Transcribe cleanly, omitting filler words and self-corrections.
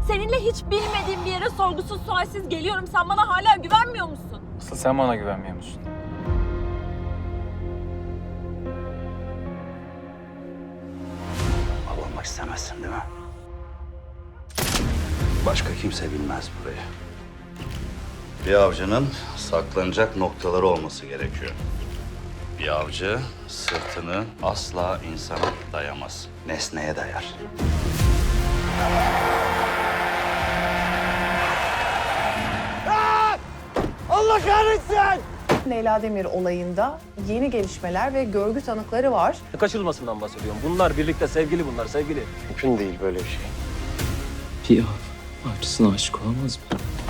Seninle hiç bilmediğim bir yere sorgusuz sualsiz geliyorum. Sen bana hala güvenmiyor musun? Asıl sen bana güvenmiyor musun? Av olmak istemezsin değil mi? Başka kimse bilmez burayı. Bir avcının saklanacak noktaları olması gerekiyor. Bir avcı sırtını asla insana dayamaz. Nesneye dayar. Allah kahretsin! Leyla Demir olayında yeni gelişmeler ve görgü tanıkları var. Kaçırılmasından bahsediyorum. Bunlar birlikte sevgili bunlar, sevgili. Mümkün değil böyle bir şey. Bir av avcısına aşık olamaz mı?